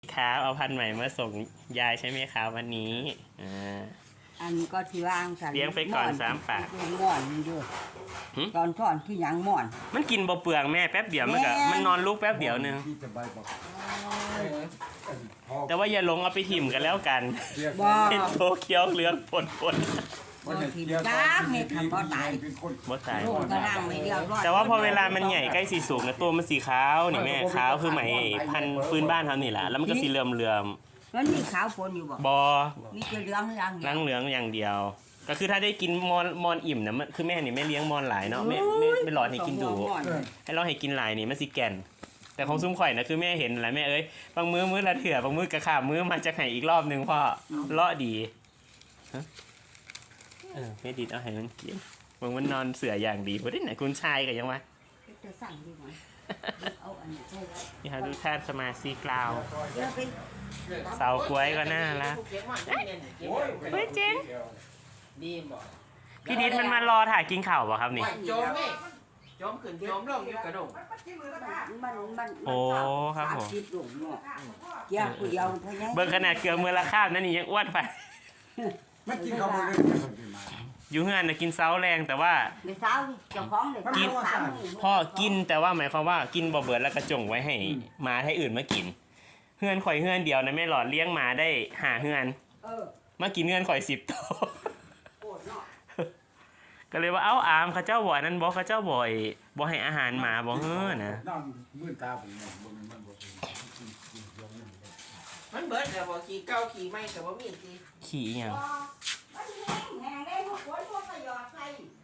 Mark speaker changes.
Speaker 1: ครับเอาพันธุ์ใหม่มาส่งยายใช่ไหมครับวันนี้
Speaker 2: อันก็ที่วางกัน
Speaker 1: เลี้ยงไปก่อน3 ปาก
Speaker 2: หม่อนมันอยู่ตอนทอนคือหยังหม่อน
Speaker 1: มันกินบ่เปลืองแม่แป๊บเดียวมันนอนลูกแป๊บเดียวนึงแต่ว่าอย่าลงเอาไปถิ่มกันแล้วกันเป็นโตเคี้ยวเหลืองปน
Speaker 2: บ่ถิ่มจ้าเฮ็ดทำบ่ตาย
Speaker 1: บ่ตาย
Speaker 2: ลูกก็ร่างไม่เดียวรอด
Speaker 1: แต่ว่าพอเวลามันใหญ่ใกล้สีสูงนะตัวมันสีขาวนี่แม่ขาวคือไหมพันธุ์พื้นบ้านเขานี่แหละแล้วมันก็สีเหลื่อม
Speaker 2: มันมีขาวปนอยู่บ่
Speaker 1: บอ
Speaker 2: มีแต่เหลืองอย่าง
Speaker 1: เหลืองอย่างเดียว ก็คือถ้าได้กินมอนอิ่มนะคือแม่นี่ไม่เลี้ยงมอนหลายเนาะไม่หลอดให้กินดูให้เราให้กินหลายนี่มันสิแก่นแต่ของซุ้มข่อยนะคือแม่เห็นอะไรแม่เอ้ยบางมื้อละเถื่อบางมื้อกระขาบมื้อมาจะให้อีกรอบนึงพ่อเลาะดีแม่ดิดเอาให้มันกินบางมันนอนเสืออย่างดีเพราะที่ไหนคุณชายกันยังวะ
Speaker 2: จะสั่งดีมั้ยเอาอันนี้ใช่แล้ว
Speaker 1: นี่ฮะดูท่านสมาชิกเราเสากล้วยก็น่ารักเฮ้ยเจ๋งพี่ดิดมันมารอถ่ายกินข่าวป่ะครับนี่
Speaker 3: จมขึ้นจมลงอยู่กระดง
Speaker 2: มัน
Speaker 1: โอ้ครับผม
Speaker 2: เกี่ยวผู้เดียวเท่านั้น
Speaker 1: เบิ่งขนาดเกลือมือละคาบนั่นนี่ยังอ้วนไป
Speaker 4: มันกินข้าวเลย
Speaker 1: อยู่เฮือนนะกินเซาแรงแต่ว่า
Speaker 2: ในเช้าเจ้าของเลยกิน
Speaker 1: พ่อกินแต่ว่าหมายความว่ากินบ่เบิดแล้วกระจงไว้ให้หมาให้อื่นมากินเฮือนข่อยเฮือนเดียวนะแม่หลอดเลี้ยงหมาได้5 เฮือนมากินเฮือนข่อย10 ตัวก็เลยว่าเอ้าอามเขาเจ้าบ่อยนั้นบอกเขาเจ้าบ่อยบ่ให้อาหารหมาบ่เฮ้อนะ
Speaker 4: มื่นตาผม
Speaker 3: มันเบิดแล้วบ่ขี่เก่าขี่ใหม่ก็บ่มีสิ
Speaker 1: ขี่อีหยัง
Speaker 2: แห้งได้พวกฝนพวกก็หยอดใส่